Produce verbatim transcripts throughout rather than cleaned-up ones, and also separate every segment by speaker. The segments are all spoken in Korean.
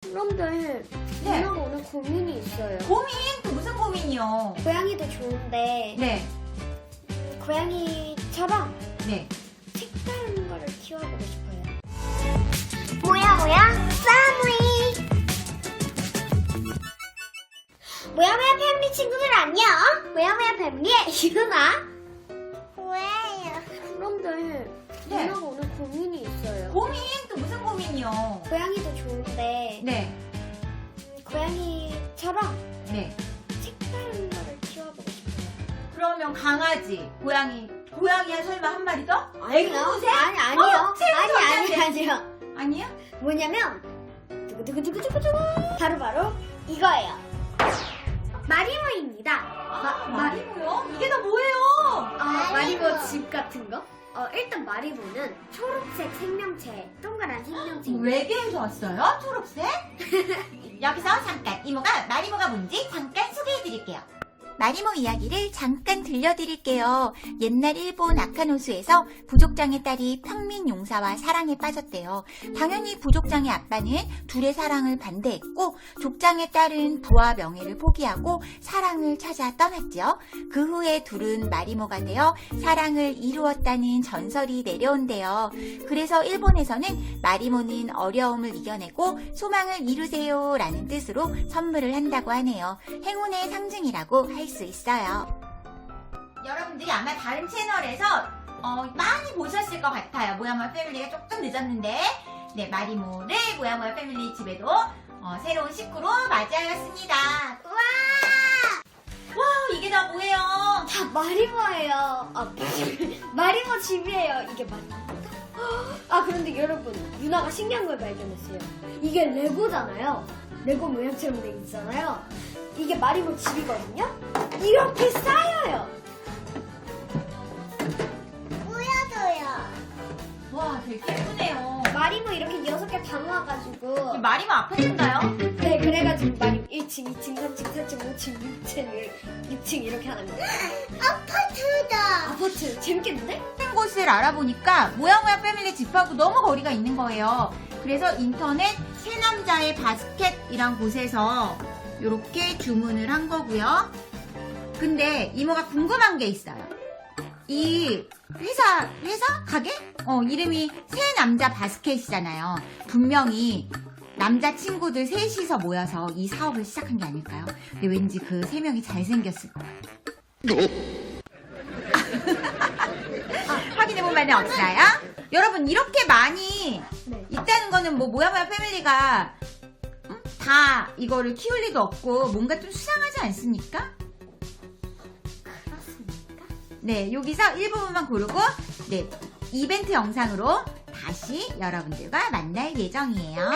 Speaker 1: 그런데
Speaker 2: 네.
Speaker 1: 누나가 오늘 고민이 있어요.
Speaker 2: 고민? 또 무슨 고민이요?
Speaker 1: 고양이도 좋은데
Speaker 2: 네.
Speaker 1: 고양이처럼
Speaker 2: 네.
Speaker 1: 색다른 거를 키워보고 싶어요.
Speaker 3: 뭐야 뭐야 싸무이 뭐야 뭐야 패밀리 친구들 안녕. 뭐야 뭐야 패밀리의 유나. 뭐예요?
Speaker 1: 그런데
Speaker 2: 네.
Speaker 1: 누나가 오늘 고민이 있어요.
Speaker 2: 고민? 또 무슨 고민이요?
Speaker 1: 고양이도 좋은데
Speaker 2: 네.
Speaker 1: 고양이처럼
Speaker 2: 네.
Speaker 1: 색다른 거를 키워보고 싶어요.
Speaker 2: 그러면 강아지, 고양이, 고양이야 설마 한 마리 더?
Speaker 1: 아니요.
Speaker 2: 앵무새?
Speaker 1: 아니 아니요.
Speaker 2: 어, 제일
Speaker 1: 아니 아니
Speaker 2: 좋아하는데.
Speaker 1: 아니요.
Speaker 2: 아니야?
Speaker 1: 뭐냐면 두구두구두구두구두구 바로 바로 이거예요. 마리모입니다.
Speaker 2: 마, 마리모요? 이게 다 뭐예요?
Speaker 1: 아,
Speaker 3: 마리모.
Speaker 1: 마리모 집 같은 거? 어, 일단 마리모는 초록색 생명체, 동그란 생명체.
Speaker 2: 외계에서 왔어요? 초록색? 여기서 잠깐 이모가 마리모가 뭔지 잠깐 소개해드릴게요. 마리모 이야기를 잠깐 들려드릴게요. 옛날 일본 아카노스에서 부족장의 딸이 평민 용사와 사랑에 빠졌대요. 당연히 부족장의 아빠는 둘의 사랑을 반대했고 족장의 딸은 부와 명예를 포기하고 사랑을 찾아 떠났죠. 그 후에 둘은 마리모가 되어 사랑을 이루었다는 전설이 내려온대요. 그래서 일본에서는 마리모는 어려움을 이겨내고 소망을 이루세요 라는 뜻으로 선물을 한다고 하네요. 행운의 상징이라고 할 수 있어요. 여러분들이 아마 다른 채널에서 어, 많이 보셨을 것 같아요. 모야모야 패밀리가 조금 늦었는데 네, 마리모를 모야모야 패밀리 집에도 어, 새로운 식구로 맞이하였습니다. 와! 와, 이게 다 뭐예요?
Speaker 1: 다 마리모예요. 아, 마리모 집이에요. 이게 마리모. 아, 그런데 여러분, 유나가 신기한 걸 발견했어요. 이게 레고잖아요. 레고 모양처럼 돼 있잖아요. 이게 마리모 집이거든요. 이렇게 쌓여요.
Speaker 3: 보여줘요.
Speaker 2: 와, 되게 예쁘네요.
Speaker 1: 마리모 이렇게 여섯 개 다 모아가지고.
Speaker 2: 이 마리모 아파트인가요?
Speaker 1: 네, 그래가지고 마리모 일 층, 이 층, 삼 층, 사 층, 오 층, 육 층, 육 층 이렇게 하는 거예요.
Speaker 3: 아파트다.
Speaker 1: 아파트 재밌겠는데?
Speaker 2: 다른 곳을 알아보니까 모야모야 패밀리 집하고 너무 거리가 있는 거예요. 그래서 인터넷 새 남자의 바스켓이란 곳에서 이렇게 주문을 한 거고요. 근데 이모가 궁금한 게 있어요. 이 회사, 회사? 가게? 어, 이름이 새 남자 바스켓이잖아요. 분명히 남자 친구들 셋이서 모여서 이 사업을 시작한 게 아닐까요? 근데 왠지 그 세 명이 잘생겼을 거예요. 확인해보면 없어요? 여러분, 이렇게 많이
Speaker 1: 네.
Speaker 2: 있다는 거는 뭐 모야모야 패밀리가 음? 다 이거를 키울 리도 없고 뭔가 좀 수상하지 않습니까?
Speaker 1: 그렇습니까?
Speaker 2: 네, 여기서 일부분만 고르고 네, 이벤트 영상으로 다시 여러분들과 만날 예정이에요.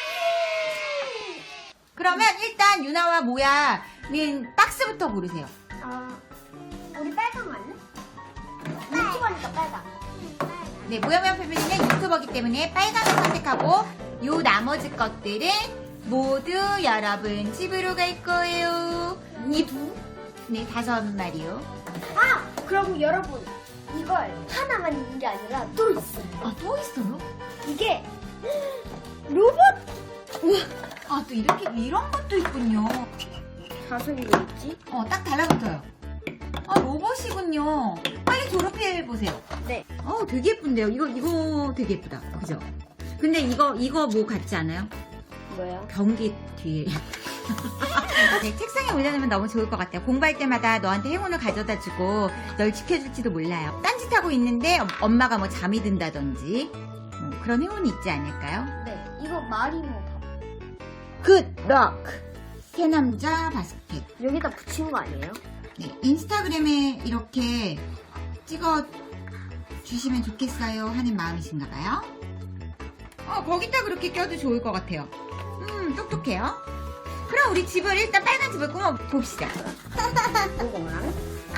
Speaker 2: 그러면 일단 유나와 모야는 박스부터 고르세요.
Speaker 1: 아, 우리 빨강 할래? 유튜버니까 빨강.
Speaker 2: 네, 모야모야 패밀리는 유튜버기 때문에 빨강을 선택하고 요 나머지 것들은 모두 여러분 집으로 갈 거예요. 이 네, 다섯 마리요.
Speaker 1: 아! 그럼 여러분, 이걸 하나만 있는 게 아니라 또 있어요.
Speaker 2: 아, 또 있어요?
Speaker 1: 이게 로봇! 우와,
Speaker 2: 아, 또 이렇게 이런 것도 있군요.
Speaker 1: 가슴이 왜 있지?
Speaker 2: 어, 딱 달라붙어요. 아, 로봇이군요. 빨리 졸업해보세요.
Speaker 1: 네.
Speaker 2: 어, 되게 예쁜데요. 이거, 이거 되게 예쁘다. 그죠? 근데 이거, 이거 뭐 같지 않아요?
Speaker 1: 뭐야?
Speaker 2: 변기 뒤에. 네, 책상에 올려놓으면 너무 좋을 것 같아요. 공부할 때마다 너한테 행운을 가져다 주고 널 지켜줄지도 몰라요. 딴짓하고 있는데 엄마가 뭐 잠이 든다든지 뭐 그런 행운이 있지 않을까요?
Speaker 1: 네, 이거 마리모 밥.
Speaker 2: 굿럭! 새남자 바스켓.
Speaker 1: 여기다 붙인 거 아니에요?
Speaker 2: 네, 인스타그램에 이렇게 찍어 주시면 좋겠어요 하는 마음이신가 봐요. 어, 거기다 그렇게 껴도 좋을 것 같아요. 음, 똑똑해요. 그럼 우리 집을 일단 빨간 집을 꾸며 봅시다.
Speaker 1: 이거랑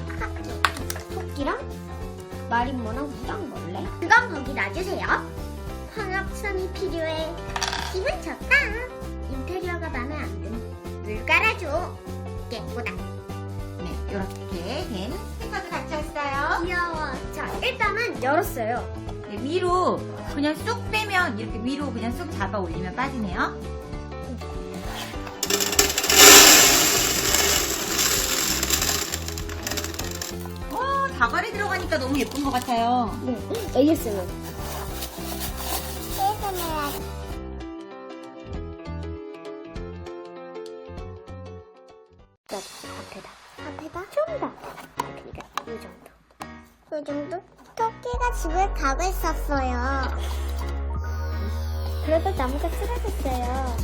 Speaker 1: 토끼랑 마리모랑 무당벌레.
Speaker 3: 그건 거기 놔주세요. 황합선이 필요해. 기분 좋다. 인테리어가 마음에 안 든. 물 깔아줘. 예쁘다.
Speaker 2: 네, 이렇게 된 스티커도 같이 왔어요.
Speaker 1: 귀여워. 자, 일단은 열었어요.
Speaker 2: 네, 위로 그냥 쑥 빼면 이렇게 위로 그냥 쑥 잡아 올리면 빠지네요. 하니까 너무 예쁜 것 같아요.
Speaker 1: 네, 에이에스엠알. 앞에다.
Speaker 3: 앞에다?
Speaker 1: 좀 더. 그러니까 이 정도.
Speaker 3: 그 정도? 토끼가 집을 가고 있었어요.
Speaker 1: 그래서 나무가 쓰러졌어요.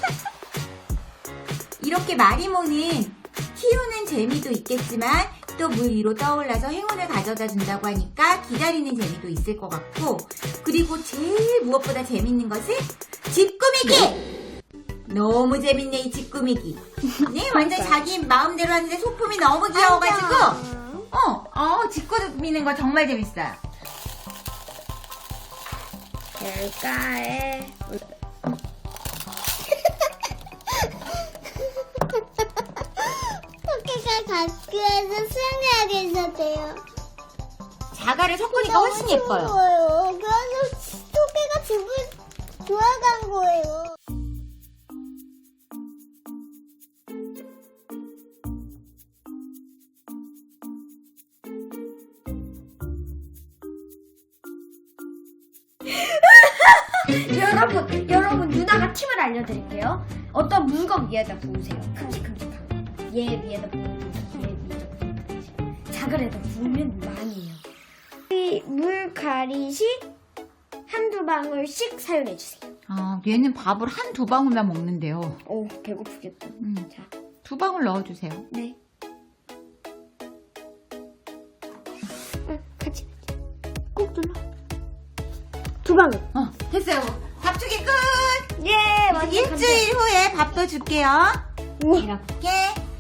Speaker 2: 이렇게 마리모는 키우는 재미도 있겠지만 또 물 위로 떠올라서 행운을 가져다 준다고 하니까 기다리는 재미도 있을 것 같고, 그리고 제일 무엇보다 재밌는 것은 집 꾸미기! 너무 재밌네, 이 집 꾸미기. 네, 완전 자기 마음대로 하는데 소품이 너무 귀여워가지고 어, 어, 집 꾸미는 거 정말 재밌어요.
Speaker 1: 길가에
Speaker 3: 토끼가 학교에서 수영하게 있었대요.
Speaker 2: 자갈을 섞으니까 훨씬 예뻐요.
Speaker 3: 예뻐요. 그래서 토끼가 집을 돌아간 거예요.
Speaker 1: 여러분, 여러분 누나가 팁을 알려드릴게요. 어떤 물건 위에다 부으세요. 큼직큼직한 거. 얘 위에다 부으면 얘 위에다 부으면 자갈에다 부으면 많이 해요. 이 물가리시 한두 방울씩 사용해주세요.
Speaker 2: 아, 얘는 밥을 한 두 방울만 먹는데요.
Speaker 1: 오, 배고프겠다.
Speaker 2: 음,
Speaker 1: 자,
Speaker 2: 두 방울 넣어주세요.
Speaker 1: 네. 응, 같이 꾹 눌러. 두 방울.
Speaker 2: 어, 됐어요. 밥주기 끝!
Speaker 1: 예, 완전
Speaker 2: 일주일 후에 밥도 줄게요.
Speaker 1: 우와.
Speaker 2: 이렇게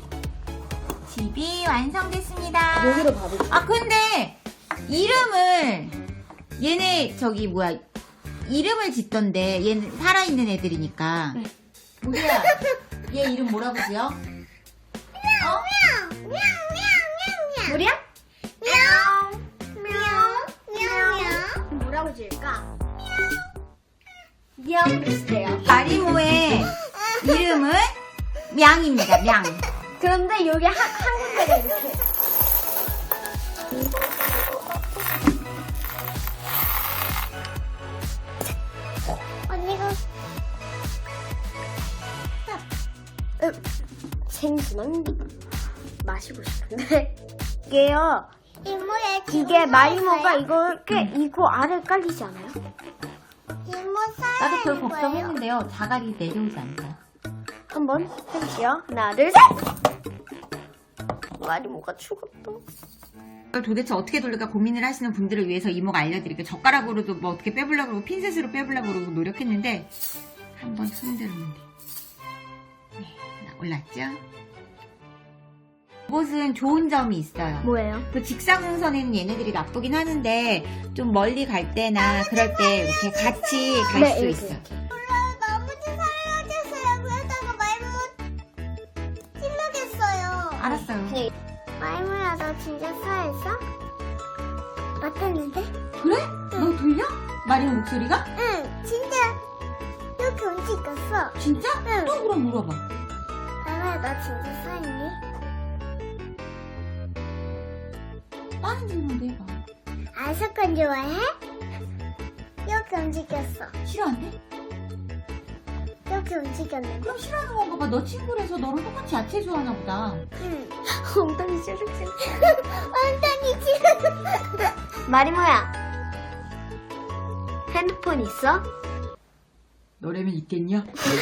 Speaker 2: 집이 완성됐습니다.
Speaker 1: 여기로 밥을.
Speaker 2: 아, 근데 이름을 얘네 저기 뭐야 이름을 짓던데, 얘는 살아있는 애들이니까.
Speaker 1: 네.
Speaker 2: 우리야, 얘 이름 뭐라고 지어? 어?
Speaker 1: 우리야?
Speaker 3: мяу.
Speaker 1: 뭐라고 지을까? 미야오를 쓰세요.
Speaker 2: 마리모의 이름은 명입니다. 명.
Speaker 1: 그런데 여기 한, 한 군데가 이렇게.
Speaker 3: 언니가
Speaker 1: 음, 생수만 마시고 싶은데. 이게요.
Speaker 3: 이모의
Speaker 1: 이게 마리모가 이거 이렇게 이거 아래 깔리지 않아요?
Speaker 3: 이모 살
Speaker 2: 나도 그걸 걱정했는데요. 자갈이 내려오지 않다.
Speaker 1: 한번 해볼게요. 하나, 둘, 셋! 마리모가 죽었다.
Speaker 2: 이걸 도대체 어떻게 돌릴까 고민을 하시는 분들을 위해서 이모가 알려드릴게요. 젓가락으로도 뭐 어떻게 빼보려고 그러고 핀셋으로 빼보려고 그러고 노력했는데 한번 흔들면 돼. 네, 올랐죠? 이곳은 좋은 점이 있어요.
Speaker 1: 뭐예요?
Speaker 2: 그 직사광선에는 얘네들이 나쁘긴 하는데 좀 멀리 갈 때나 그럴 때 이렇게 같이 갈
Speaker 1: 네,
Speaker 2: 수
Speaker 1: 이렇게,
Speaker 2: 있어.
Speaker 1: 이렇게.
Speaker 3: 너무 좀 살려주세요. 그러다가 말문 찔러겠어요.
Speaker 2: 알았어요.
Speaker 1: 네.
Speaker 3: 말문아, 너 진짜 살아있어? 맞았는데?
Speaker 2: 그래? 너 들려? 마리오 목소리가?
Speaker 3: 응, 진짜 이렇게 움직였어.
Speaker 2: 진짜?
Speaker 3: 응.
Speaker 2: 또 그럼 물어봐.
Speaker 3: 말문아, 너 진짜 살아있니?
Speaker 2: 다른 질문도 해봐.
Speaker 3: 아이스크림 좋아해? 이렇게 움직였어.
Speaker 2: 싫어한대?
Speaker 3: 이렇게 움직였는데?
Speaker 2: 그럼 싫어하는 건가 봐. 너 친구라서 너랑 똑같이 야채 좋아하나 보다.
Speaker 3: 응.
Speaker 1: 엉덩이 찌르륵.
Speaker 3: 완전히 지금.
Speaker 1: 마리모야. 핸드폰 있어?
Speaker 2: 너라면 있겠냐?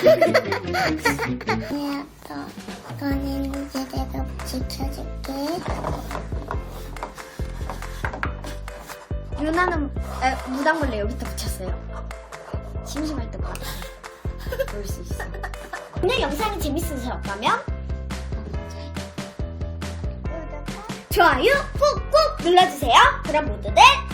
Speaker 3: 야, 너, 너는 이제 내가 지켜줄게.
Speaker 1: 유나는 에, 무당벌레 여기다 붙였어요. 심심할 때마다 볼 수 있어. 오늘 영상이 재밌으셨다면 좋아요 꾹꾹 눌러주세요. 그럼 모두들